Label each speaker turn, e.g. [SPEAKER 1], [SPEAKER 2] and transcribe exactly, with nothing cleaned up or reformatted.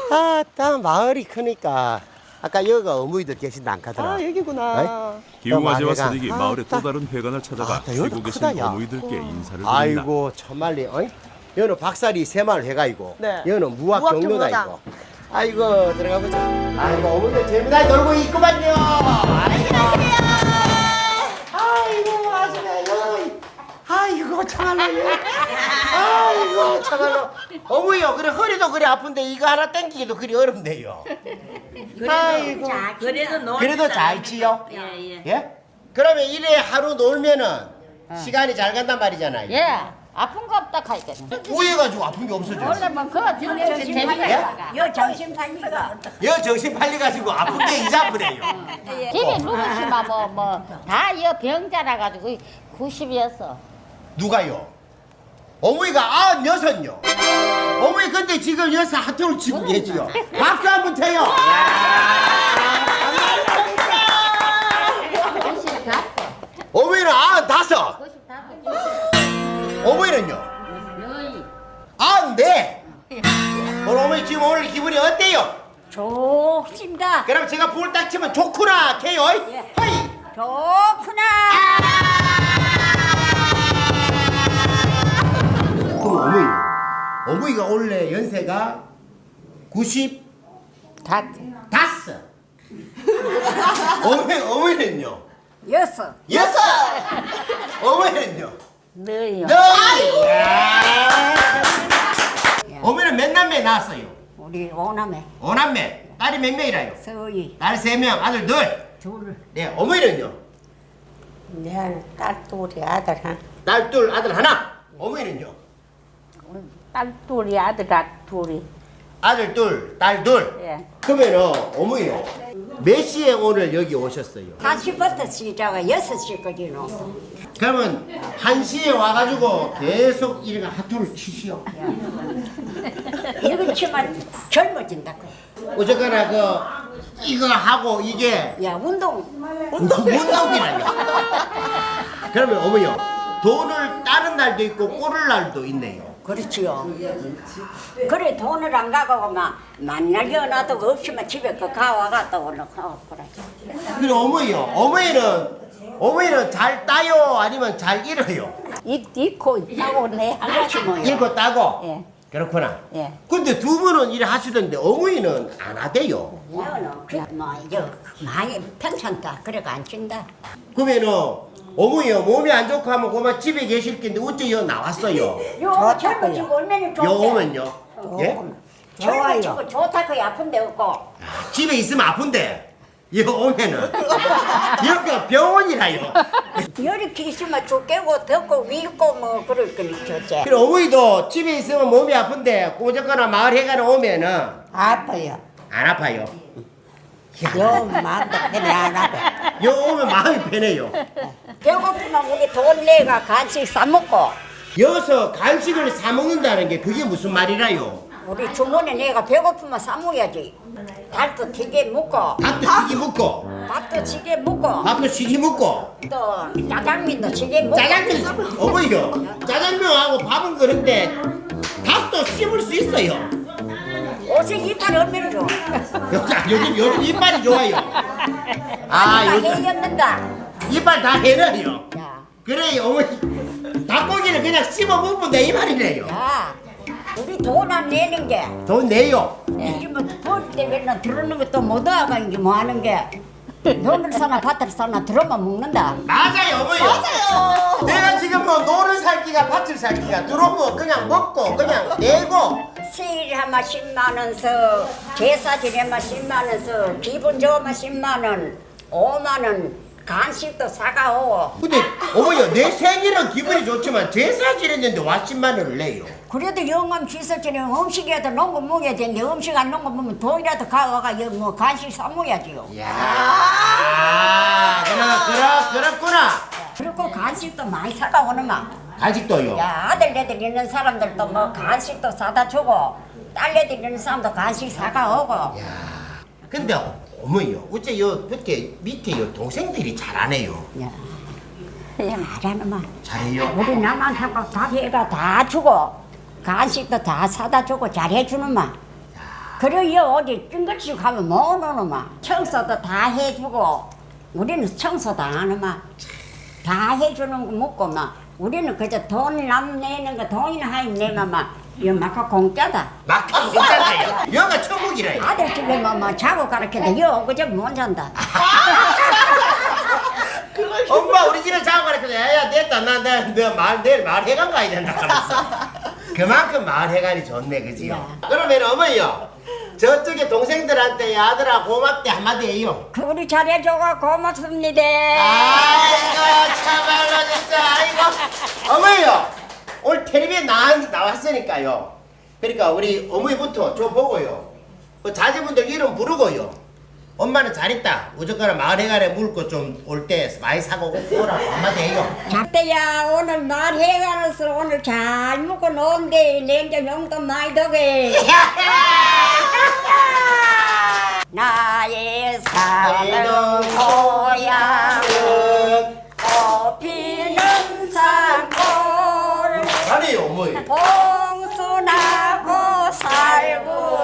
[SPEAKER 1] 아, 딱 마을이 크니까 아까 여기가 어머니들 계신다 안 가더라.
[SPEAKER 2] 아 여기구나.
[SPEAKER 3] 기웅아재와
[SPEAKER 1] 마을회관.
[SPEAKER 3] 사딕이
[SPEAKER 1] 아,
[SPEAKER 3] 마을의 또
[SPEAKER 1] 딱.
[SPEAKER 3] 다른 회관을 찾아가
[SPEAKER 1] 아, 딱 여기도
[SPEAKER 3] 쉬고 계신
[SPEAKER 1] 크다, 야.
[SPEAKER 3] 어머니들께 인사를 드린다.
[SPEAKER 1] 아이고 참말리 어이? 여기는 박사리 새마을 회가이고
[SPEAKER 2] 네.
[SPEAKER 1] 여기는 무학
[SPEAKER 2] 무학
[SPEAKER 1] 경로다
[SPEAKER 2] 경로당.
[SPEAKER 1] 이거. 아이고 들어가 보자. 아이고 어머니들 재미나게 놀고 있구만요. 아이고 아이고 아줌마요. 아이고 참말로. 아이고 참말로. 어머니요 그래 허리도 그래 아픈데 이거 하나 당기기도 그리 어렵네요. 아이고.
[SPEAKER 4] 그래도 놀
[SPEAKER 1] 그래도 잘 지요?
[SPEAKER 4] 예예.
[SPEAKER 1] 예? 그러면 이래 하루 놀면은 시간이 잘 간단 말이잖아요.
[SPEAKER 5] 예, 아픈 거 없다 카이겠네.
[SPEAKER 1] 우해가지고 아픈 게 없어져.
[SPEAKER 5] 원래 뭐 그거 진짜 재미가 있어.
[SPEAKER 4] 여 정신 팔리가
[SPEAKER 1] 여 정신 팔려가지고 아픈 게 이자부래요.
[SPEAKER 5] 집에 누구시마 뭐뭐다여 병자라 가지고 구십이었어.
[SPEAKER 1] 누가요? 어머니가 아흔 여섯요. 어머니 근데 지금 여섯 하트를 치고 계지요. 박수 한번 쳐요.
[SPEAKER 5] 구십다섯.
[SPEAKER 1] 어머니는 아흔 다섯.
[SPEAKER 5] 구십다섯.
[SPEAKER 1] 어머니는요?
[SPEAKER 5] 너희.
[SPEAKER 1] 아흔 네. 오늘 어머니 지금 오늘 기분이 어때요?
[SPEAKER 4] 좋습니다.
[SPEAKER 1] 그럼 제가 불 딱 치면 좋구나 캐요.
[SPEAKER 4] 예.
[SPEAKER 1] 허이.
[SPEAKER 4] 좋구나.
[SPEAKER 1] 그럼 어머니, 어머니가 원래 연세가 구십
[SPEAKER 5] 다.
[SPEAKER 1] 다섯. 어머니 어머니는요?
[SPEAKER 4] 여섯.
[SPEAKER 1] 여섯. 어머니는요?
[SPEAKER 5] 너희요.
[SPEAKER 1] 너희. 어머니는 몇 남매 낳았어요?
[SPEAKER 4] 우리 오남매
[SPEAKER 1] 오남매. 딸이 몇 명이라요?
[SPEAKER 4] 서희
[SPEAKER 1] 딸 세 명, 아들 둘.
[SPEAKER 4] 둘.
[SPEAKER 1] 네, 어머니는요?
[SPEAKER 4] 내딸 둘이 아들 한.
[SPEAKER 1] 딸 둘, 아들 하나. 어머니는요?
[SPEAKER 4] 딸 둘이 아들 둘이.
[SPEAKER 1] 아들 둘, 딸 둘.
[SPEAKER 4] 예.
[SPEAKER 1] 그러면은 어머니요. 몇 시에 오늘 여기 오셨어요?
[SPEAKER 4] 다시부터 시작가 여섯 시까지는.
[SPEAKER 1] 그러면 한 시에 와가지고 계속 이렇게 하투를 치시오.
[SPEAKER 4] 이거 치면 젊어진다.
[SPEAKER 1] 어쨌거나 그 이거 하고 이게
[SPEAKER 4] 야 운동.
[SPEAKER 1] 운동이라요. 그러면 어머니요. 돈을 따는 날도 있고 꼬를 날도 있네요.
[SPEAKER 4] 그렇지요. 그래 돈을 안 가고 막 만날 연화도 없으면 집에 그 가와갔다 오늘 가고 그러지.
[SPEAKER 1] 그리고 어머니요. 어머니는 어머니는 잘 따요 아니면 잘 잃어요?
[SPEAKER 4] 이 있고 있다고 내 하나씩 뭐야.
[SPEAKER 1] 읽고 따고.
[SPEAKER 4] 예.
[SPEAKER 1] 그렇구나.
[SPEAKER 4] 예.
[SPEAKER 1] 근데 두 분은 일을 하시던데 어머니는 안 하대요.
[SPEAKER 4] 너는 뭐 이제 많이 평창다 그래가 안 친다.
[SPEAKER 1] 그러면은 어머니요 몸이 안 좋고 하면 그만 집에 계실 텐데 어째 여 나왔어요?
[SPEAKER 4] 요 젊어지고 얼마나
[SPEAKER 1] 여
[SPEAKER 4] 좋은데.
[SPEAKER 1] 오면요. 예?
[SPEAKER 4] 젊어지고 좋다고 아픈데 없고.
[SPEAKER 1] 집에 있으면 아픈데 여 오면은 여기가 병원이라요.
[SPEAKER 4] 이렇게 있으면 죽겠고 덥고 밉고 뭐 그럴 거니 좋지.
[SPEAKER 1] 그리고 어머니도 집에 있으면 몸이 아픈데 꼬적거나 마을 해가는 오면은
[SPEAKER 4] 아파요.
[SPEAKER 1] 안 아파요.
[SPEAKER 4] 요 마음도 편히 안 하고.
[SPEAKER 1] 여 오면 마음이 편해요.
[SPEAKER 4] 배고프면 우리 돈 내가 간식 사 먹고.
[SPEAKER 1] 여기서 간식을 사 먹는다는 게 그게 무슨 말이라요?
[SPEAKER 4] 우리 주머니 내가 배고프면 사 먹어야지. 달도 튀게 먹고,
[SPEAKER 1] 밥도 튀기 먹고
[SPEAKER 4] 밥도 튀게 먹고,
[SPEAKER 1] 밥도 튀기 먹고
[SPEAKER 4] 또 짜장면도 튀게 먹고.
[SPEAKER 1] 짜장면 어머니요. 짜장면하고 밥은 그런데 밥도 씹을 수 있어요.
[SPEAKER 4] 옷에 이빨이 얼마나 좋아.
[SPEAKER 1] 요즘 요즘 요즘 이빨이 좋아요. 아
[SPEAKER 4] 다
[SPEAKER 1] 요즘
[SPEAKER 4] 해였는다.
[SPEAKER 1] 이빨 다 해내요.
[SPEAKER 4] 야,
[SPEAKER 1] 그래 어머니 닭고기를 그냥 씹어 먹으면 돼 이 말이래요.
[SPEAKER 4] 야, 우리 돈 안 내는 게.
[SPEAKER 1] 돈 내요.
[SPEAKER 4] 요즘은 돈 때문에 들어오는 것도 못 와가 이제 뭐 하는 게. 돈을 사나 밭을 사나 들어만 먹는다.
[SPEAKER 1] 맞아요 어머니. 맞아요. 내가 지금 뭐 노를 살기가 밭을 살기가 들어오고 그냥 먹고 그냥 내고.
[SPEAKER 4] 세일 하면 십만 원 서, 제사 지내면 십만 원 서, 기분 좋으면 십만 원, 오만 원, 간식도 사가오고.
[SPEAKER 1] 근데 어머니요 내 생일은 기분이 좋지만 제사 지냈는데 와 십만 원을 내요.
[SPEAKER 4] 그래도 영감 기술 지내면 음식이라도 놓은 거 먹어야 되는데 음식 안 놓은 거 먹으면 돈이라도 가와가 여기 뭐 간식 사 먹어야지요.
[SPEAKER 1] 야, 그렇 그렇 그렇구나.
[SPEAKER 4] 그리고 간식도 많이 사가오는 막.
[SPEAKER 1] 간식도요.
[SPEAKER 4] 야 아들네들 있는 사람들도 뭐 간식도 사다 주고 딸네들 있는 사람도 간식 사가오고.
[SPEAKER 1] 근데 어머니요 어째 요 밖에 밑에 요 동생들이 잘하네요.
[SPEAKER 4] 야, 그냥 말하는 말.
[SPEAKER 1] 잘해요.
[SPEAKER 4] 우리 남한테고 다 해가 다 주고 간식도 다 사다 주고 잘해주는 말. 그래요 어디 찡긋이 가면 못 오노마. 청소도 다 해주고 우리는 청소도 안 하마. 다 해주는 거 먹고 막 우리는 그저 돈 남 내는 거 돈이나 하임 내면 막 이거 막 공짜다.
[SPEAKER 1] 막상 괜찮아요. 여가 천국이래요.
[SPEAKER 4] 아들 집에 뭐, 뭐 자고 가르쳐도 여 그저 못 잔다.
[SPEAKER 1] 엄마 우리 집에 자고 가르쳐도 야야 됐다 나너말 내일 말해간 가야 된다 그랬어. 그만큼 말해간이 좋네 그지요. 그러면 어머니요 저쪽에 동생들한테 아들아 고맙대 한마디 해요.
[SPEAKER 4] 그 우리 잘해줘가 고맙습니다.
[SPEAKER 1] 아이고 참말로 진짜 아이고. 어머니요 오늘 텔레비에 나, 나왔으니까요. 그러니까 우리 어머니부터 저 보고요 그 자제분들 이름 부르고요 엄마는 잘했다 무조건 마을회관에 물고 좀 올 때 많이 사고 오라고 한마디 해요.
[SPEAKER 4] 작대야 오늘 말해가면서 오늘 잘 먹고 논데 냉장 용돈 많이 더게. 나의 사는 고향은 꽃피는 산골
[SPEAKER 1] 잘해요 어머니.
[SPEAKER 4] 봉순하고 살고